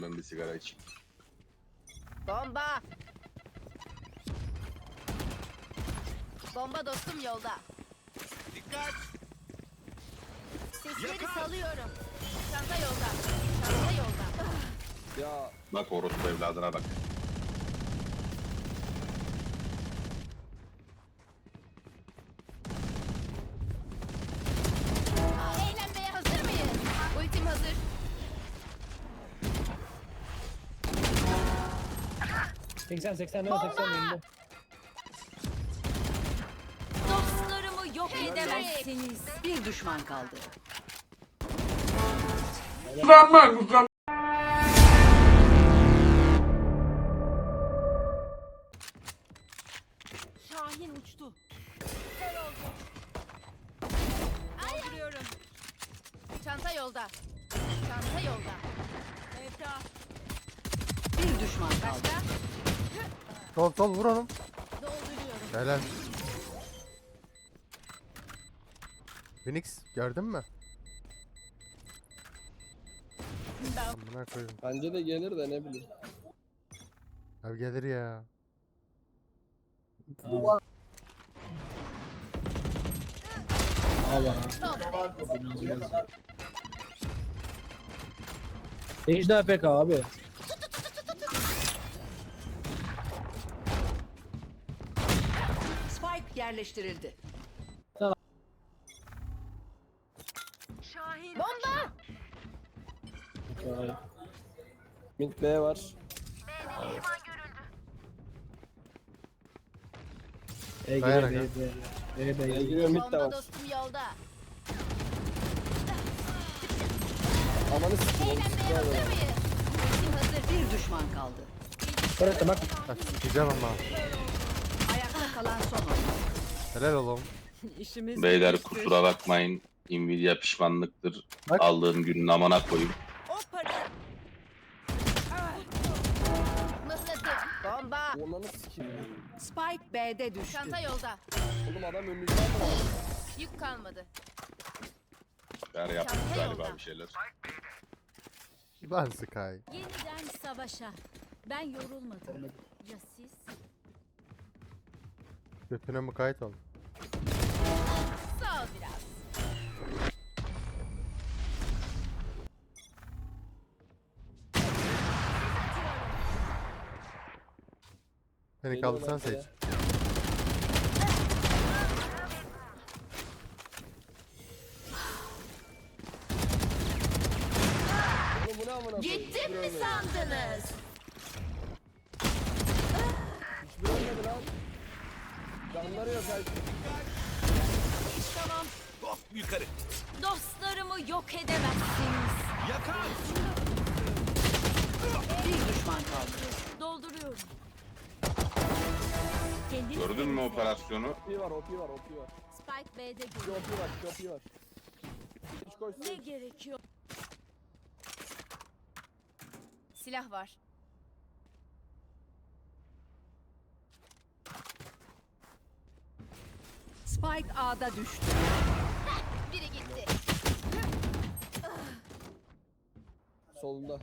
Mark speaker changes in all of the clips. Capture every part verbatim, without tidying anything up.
Speaker 1: Ben bir sigara içeyim.
Speaker 2: Bomba. Bomba dostum yolda.
Speaker 3: Dikkat!
Speaker 2: Sesleri
Speaker 3: Yakar!
Speaker 2: salıyorum. Çanta yolda. Çanta yolda.
Speaker 4: Ya
Speaker 1: Bak orospu evladına bak.
Speaker 2: Eğlenmeye hazır mıyız? Ultim hazır.
Speaker 5: seksen seksen ne var seksen önünde.
Speaker 2: Dostlarımı yok edemezsiniz.
Speaker 6: Bir düşman kaldı.
Speaker 2: Şahin uçtu. Kör oldu. Dolduruyorum. Çanta yolda. Çanta yolda. Evda.
Speaker 6: Bir düşman kaldı.
Speaker 2: Başka?
Speaker 7: Sol sol vur oğlum.
Speaker 2: Dolduruyorum.
Speaker 7: Helal. Phoenix gördün mü? Amına koyayım.
Speaker 4: bence de gelir de ne bileyim.
Speaker 7: Abi gelir ya.
Speaker 5: Ejder A F K abi.
Speaker 6: Spike yerleştirildi.
Speaker 2: Bomba.
Speaker 4: Mid B var.
Speaker 5: E
Speaker 7: Dayan
Speaker 5: gire
Speaker 7: aga.
Speaker 5: B B. E
Speaker 4: B
Speaker 5: B.
Speaker 4: giriyor, mid de
Speaker 2: Bomba
Speaker 4: var.
Speaker 2: dostum yolda.
Speaker 4: Amanı sikeyim.
Speaker 2: Eğlenmeye hazır mıyız? Ultim hazır.
Speaker 6: Bir düşman kaldı.
Speaker 5: Bırak bak.
Speaker 7: Ha, sikeceğim ama.
Speaker 6: Ayakta kalan son oyuncu.
Speaker 7: Helal oğlum.
Speaker 1: Beyler kusura bakmayın. Nvidia pişmanlıktır.
Speaker 7: Bak.
Speaker 1: Aldığım günün amına koyayım.
Speaker 2: O para. Mıhladı. Bomba.
Speaker 4: Amanı sikeyim.
Speaker 6: Spike B'de düştü.
Speaker 2: Çanta yolda.
Speaker 4: Oğlum adam önünüzden mi aldı?
Speaker 2: Yük kalmadı.
Speaker 1: Ver yaptık
Speaker 2: Çanta
Speaker 1: galiba
Speaker 2: yolda.
Speaker 1: bir şeyler.
Speaker 7: Lan Sky.
Speaker 8: Yeniden savaşa. Ben yorulmadım. Ya siz?
Speaker 7: Götüne mukayyet ol.
Speaker 2: Sağ ol biraz.
Speaker 7: Beni
Speaker 4: Beni
Speaker 7: kaldırsan
Speaker 4: oynat
Speaker 7: seç.
Speaker 4: ya. Oğlum bu ne amına koyayım?
Speaker 2: Gittim mi sandınız?
Speaker 4: Hiçbir ölmedi lan. Canları yok her
Speaker 2: Tamam.
Speaker 3: Hop yukarı!
Speaker 2: Dostlarımı yok edemezsiniz.
Speaker 3: Yakar!
Speaker 6: Bir düşman kaldı.
Speaker 2: Dolduruyorum.
Speaker 8: Kendiniz
Speaker 1: Gördün mü
Speaker 8: temizle.
Speaker 1: operasyonu?
Speaker 4: O P var, O P var, O P var.
Speaker 8: Spike B'de
Speaker 4: Bir
Speaker 8: geliyor.
Speaker 4: O P var, bir O P var. Hiç koysun.
Speaker 8: Ne gerekiyor?
Speaker 2: Silah var.
Speaker 6: Spike A'da düştü.
Speaker 2: Biri gitti.
Speaker 4: Solunda.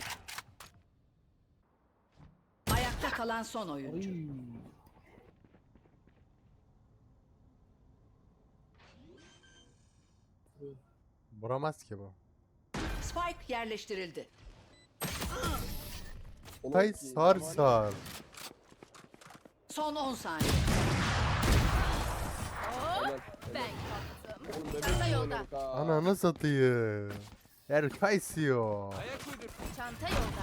Speaker 6: Ayakta kalan son oyuncu.
Speaker 7: Vuramaz ki bu.
Speaker 6: Spike yerleştirildi.
Speaker 4: Oğlum
Speaker 7: Hay
Speaker 4: ki,
Speaker 7: sar
Speaker 4: var ya.
Speaker 7: sar.
Speaker 6: Son on saniye.
Speaker 4: Helal.
Speaker 2: Ben kaptım.
Speaker 4: Oğlum bebek
Speaker 2: Çanta
Speaker 4: gibi
Speaker 2: yolda.
Speaker 4: oynadık ha.
Speaker 7: Ananı satayım. Erkaysio.
Speaker 3: Ayak uydur!
Speaker 2: Çanta yolda.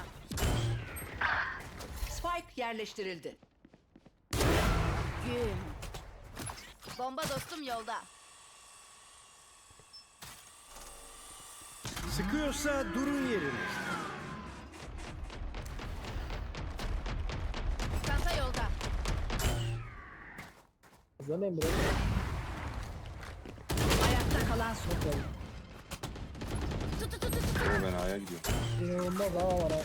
Speaker 6: Spike yerleştirildi.
Speaker 2: Gün. Bomba dostum yolda.
Speaker 3: Sıkıyorsa durun yerine.
Speaker 2: Çanta yolda.
Speaker 5: Zan Emre.
Speaker 6: Ayakta kalan son oyuncu.
Speaker 2: Tut tut tut tut.
Speaker 1: Oo, ben A'ya gidiyorum.
Speaker 5: İnanılmaz hava var ha.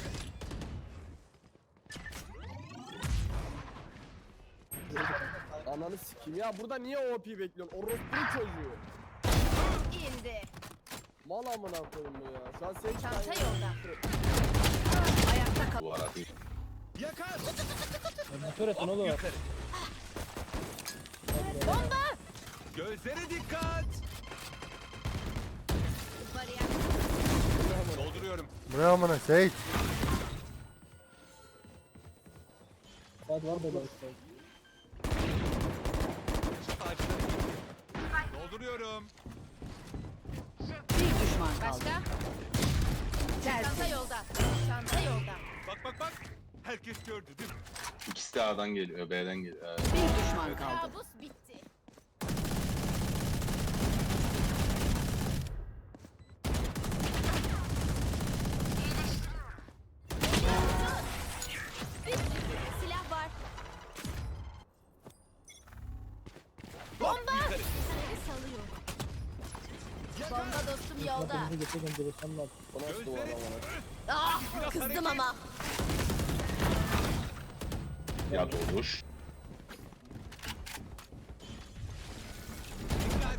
Speaker 4: Ananı sikeyim ya, burada niye O P bekliyorsun? Orospu çocuğu.
Speaker 2: İndi.
Speaker 4: Mal amına koyayım bu ya. Şu an sen
Speaker 2: Çanta yolda.
Speaker 3: Yakar.
Speaker 5: Bu turret ne olur?
Speaker 3: Yukarı.
Speaker 2: Bomba.
Speaker 3: Gözlere dikkat.
Speaker 2: Bariyer.
Speaker 3: Dolduruyorum.
Speaker 7: Buraya amına Sage.
Speaker 5: Saat var böyle işte.
Speaker 3: Ağaçları gitti. Dolduruyorum.
Speaker 6: Bir düşman kaldı.
Speaker 2: Başka? Çanta
Speaker 6: Tersi.
Speaker 2: yolda. Çanta yolda.
Speaker 3: Bak bak bak. Herkes gördü değil mi?
Speaker 1: İkisi de A'dan geliyor, B'den geliyor. Ee,
Speaker 6: Bir düşman kaldı.
Speaker 2: Kabus bitti. Silah var. Bomba!
Speaker 3: Yukarı.
Speaker 2: Seni salıyor. Bomba dostum yolda.
Speaker 5: Bakın geçeceğim direksiyonun altı.
Speaker 4: Bu nasıl duvar amına?
Speaker 2: Ah, kızdım ama.
Speaker 1: ya doğuş.
Speaker 3: Dikkat.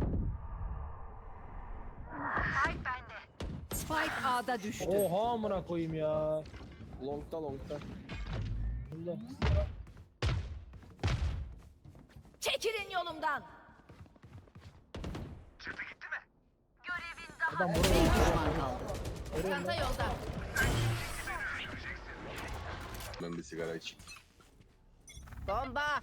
Speaker 6: Spike A'da düştü.
Speaker 5: Oha amına koyayım ya.
Speaker 4: Long'da long'da.
Speaker 5: Bunda.
Speaker 2: Çekilin yolumdan.
Speaker 5: Adam
Speaker 6: Bir
Speaker 5: buraya
Speaker 6: düşman kaldı.
Speaker 2: Çanta yolda.
Speaker 1: Ben bir sigara içeyim.
Speaker 2: Bomba.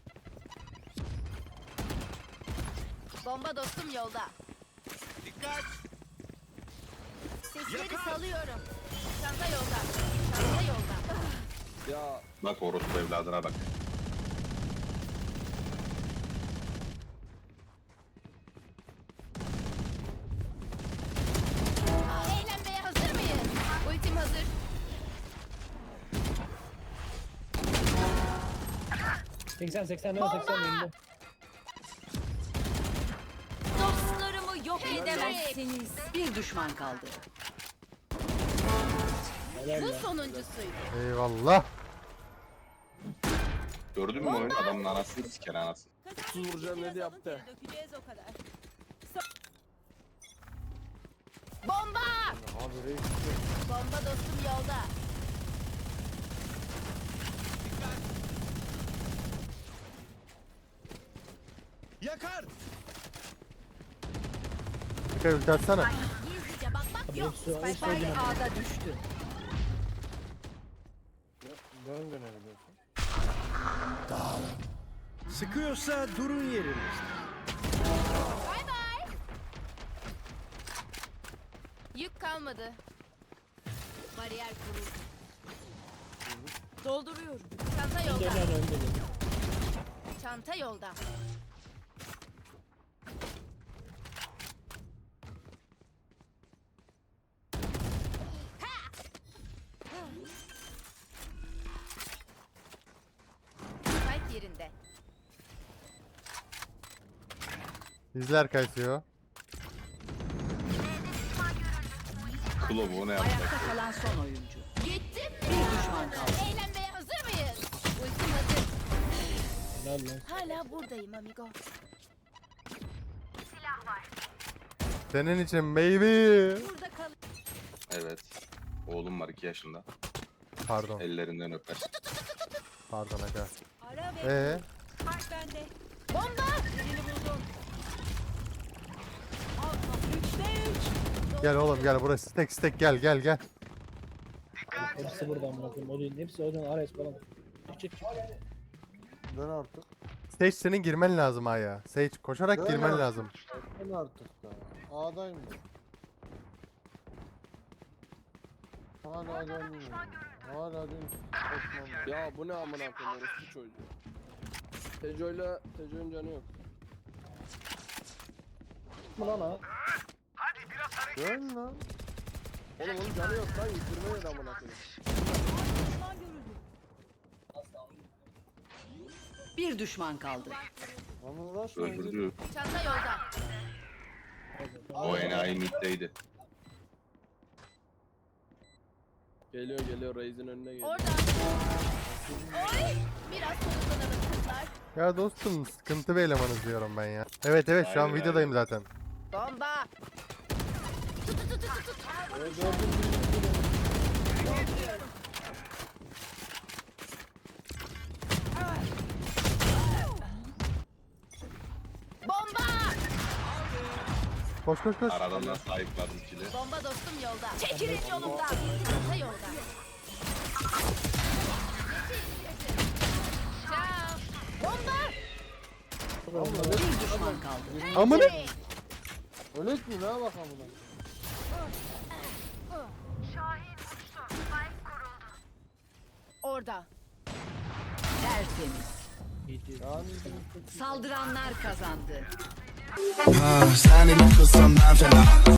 Speaker 2: Bomba dostum yolda.
Speaker 3: Dikkat.
Speaker 2: Sesleri
Speaker 3: Yakar.
Speaker 2: salıyorum. Çanta yolda. Çanta yolda.
Speaker 4: Ya
Speaker 1: Bak orospu evladına bak.
Speaker 2: Eğlenmeye hazır mıyız? Ultim hazır.
Speaker 5: seksen seksen ne seksen elli.
Speaker 2: Dostlarımı yok edemezsiniz.
Speaker 6: Bir düşman kaldı.
Speaker 5: Helal
Speaker 2: Bu
Speaker 5: ya.
Speaker 2: sonuncusuydu.
Speaker 7: Eyvallah.
Speaker 1: Gördün mü oyun? Adamın anasını siker anasını.
Speaker 4: otuz vuracağım dedi yaptı.
Speaker 2: Dökeceğiz o kadar. Bomba!
Speaker 4: Abi reis.
Speaker 2: Bomba dostum yolda.
Speaker 3: Yakar.
Speaker 7: Dikkat ulti atsana.
Speaker 2: Gizlice bakmak
Speaker 5: Abi
Speaker 2: yok.
Speaker 5: hepsi hepsi
Speaker 6: Spike
Speaker 5: oynuyor.
Speaker 6: A'da düştü.
Speaker 4: Dön dönebiliyorsun.
Speaker 3: Sıkıyorsa durun yerinizde.
Speaker 2: Bay bay. Yük kalmadı. Bariyer kuruldu. Dolduruyorum. Çanta
Speaker 5: Önde
Speaker 2: yolda.
Speaker 5: önde önde.
Speaker 2: Çanta yolda. Spike yerinde.
Speaker 7: İzler kaysıyor.
Speaker 1: Klo bu ne yapacak?
Speaker 6: Ayakta kalan son oyuncu.
Speaker 2: Gittim mi?
Speaker 6: Bir düşman kaldı.
Speaker 2: Eğlenmeye hazır mıyız? Ultim hazır.
Speaker 5: Helal lan.
Speaker 2: Hala buradayım amigo.
Speaker 7: Senin için baby.
Speaker 2: Burada kal.
Speaker 1: Evet. Oğlum var iki yaşında.
Speaker 7: Pardon.
Speaker 1: Ellerinden öper.
Speaker 7: Pardon aga.
Speaker 2: Ara ve
Speaker 7: Ee,
Speaker 2: fark bende. Bomba! Birini buldum. Alfa üçte üç.
Speaker 7: gel oğlum gel burası stack stack gel gel gel.
Speaker 5: Hepsi burada amına koyayım. Odin hepsi Odin Ares falan. Çık çık çık.
Speaker 9: Dön artık.
Speaker 7: Sage senin girmen lazım aya. Sage koşarak
Speaker 9: Dön
Speaker 7: girmen
Speaker 9: artık.
Speaker 7: lazım.
Speaker 9: Dön artık da. A'dayım ben. Hala dönmüyor. Hala dön. Osman.
Speaker 4: Ya bu ne amına koyayım orospu çocuğu. Tejo'yla Tejo'nun canı yok.
Speaker 5: Mı lan ha?
Speaker 9: Dön lan.
Speaker 4: Oğlum onun canı yok lan yüzdürme yedi amına koyayım.
Speaker 6: Bir düşman kaldı.
Speaker 9: Lan uğraşmayın.
Speaker 1: Öldürdü.
Speaker 2: Çanta yolda.
Speaker 1: O enayi middeydi.
Speaker 4: Geliyor geliyor Reis'in önüne geliyor.
Speaker 2: Orada. Oy! Biraz soluklanalım kızlar.
Speaker 7: Ya dostum sıkıntı bir elemanız diyorum ben ya. Evet evet şu an
Speaker 1: Hayır,
Speaker 7: videodayım zaten.
Speaker 2: Bomba!
Speaker 7: Koş koş koş.
Speaker 1: Aradan da sahiplerdim kili.
Speaker 2: Bomba dostum yolda. Çekilin yolumdan. Çanta yolda. Ciao. Bomba.
Speaker 6: Bir düşman kaldı.
Speaker 7: Amına.
Speaker 9: Ölet mi ne bak amına.
Speaker 2: Orada.
Speaker 6: Tertemiz.
Speaker 9: Yani
Speaker 6: Saldıranlar kazandı.
Speaker 10: Sen ile kılsam ben fena